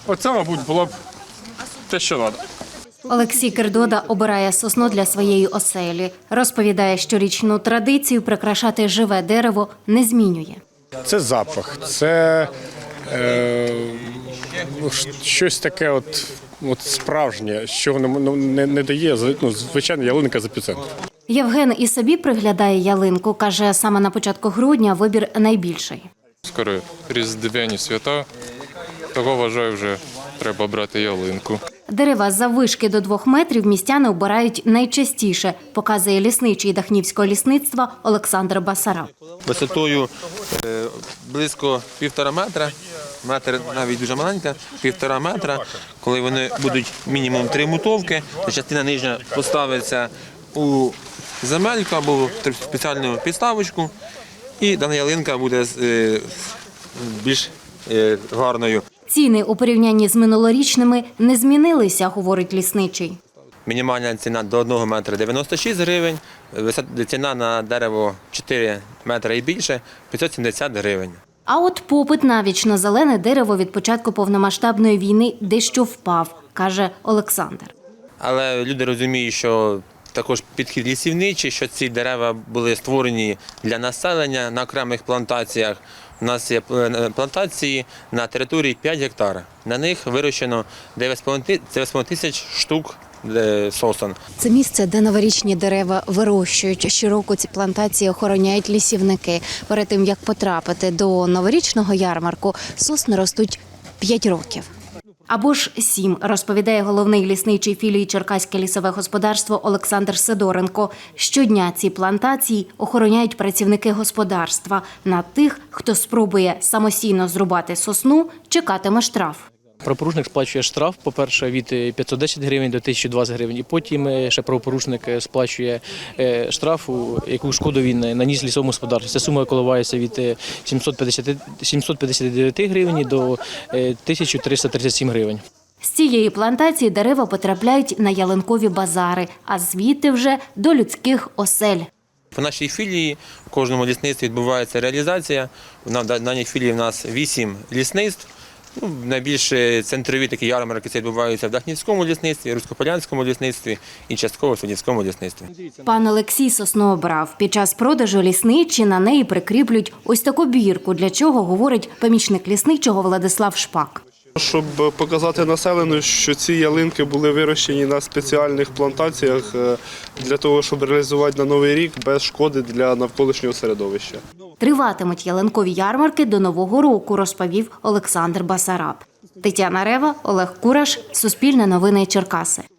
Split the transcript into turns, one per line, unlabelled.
Оце, мабуть, було б те, що треба.
Олексій Кердода обирає сосну для своєї оселі. Розповідає, щорічну традицію прикрашати живе дерево не змінює.
Це запах, це щось таке от справжнє, що не дає звичайна ялинка з епіцентру.
Євген і собі приглядає ялинку. Каже, саме на початку грудня вибір найбільший.
Скоро різдвяні свята, того, вважаю, вже треба брати ялинку.
Дерева заввишки до 2 метрів містяни обирають найчастіше, показує лісничий Дахнівського лісництва Олександр Басараб.
Висотою близько 1,5 метра, метр навіть дуже маленька, 1,5 метра. Коли вони будуть мінімум 3 мотовки, то частина нижня поставиться у земельку або в спеціальну підставочку, і дана ялинка буде більш гарною.
Ціни у порівнянні з минулорічними не змінилися, говорить лісничий.
Мінімальна ціна до 1 метра 96 гривень, ціна на дерево 4 метри і більше 570 гривень.
А от попит на вічно-зелене дерево від початку повномасштабної війни дещо впав, каже Олександр.
Але люди розуміють, що також підхід лісівничий, що ці дерева були створені для населення на окремих плантаціях. У нас є плантації на території 5 гектар. На них вирощено 9,5 тисяч штук сосен.
Це місце, де новорічні дерева вирощують. Щороку ці плантації охороняють лісівники. Перед тим, як потрапити до новорічного ярмарку, сосни ростуть 5 років. Або ж 7, розповідає головний лісничий філії Черкаське лісове господарство Олександр Сидоренко. Щодня ці плантації охороняють працівники господарства. На тих, хто спробує самостійно зрубати сосну, чекатиме штраф.
Правопорушник сплачує штраф, по-перше, від 510 гривень до 1020 гривень, і потім ще правопорушник сплачує штрафу, яку шкоду він наніс лісовому господарству. Ця сума коливається від 759 гривень до 1337 гривень.
З цієї плантації дерева потрапляють на ялинкові базари, а звідти вже до людських осель.
В нашій філії в кожному лісництві відбувається реалізація. В даній філії в нас 8 лісництв. Найбільш центрові такі ярмарки відбуваються в Дахнівському лісництві, Руськополянському лісництві і частково в Садівському лісництві.
Пан Олексій сосну обрав. Під час продажу лісничі на неї прикріплють ось таку бірку, для чого, говорить помічник лісничого Владислав Шпак.
Щоб показати населенню, що ці ялинки були вирощені на спеціальних плантаціях для того, щоб реалізувати на Новий рік без шкоди для навколишнього середовища.
Триватимуть ялинкові ярмарки до Нового року, розповів Олександр Басараб. Тетяна Рева, Олег Кураш, Суспільне новини Черкаси.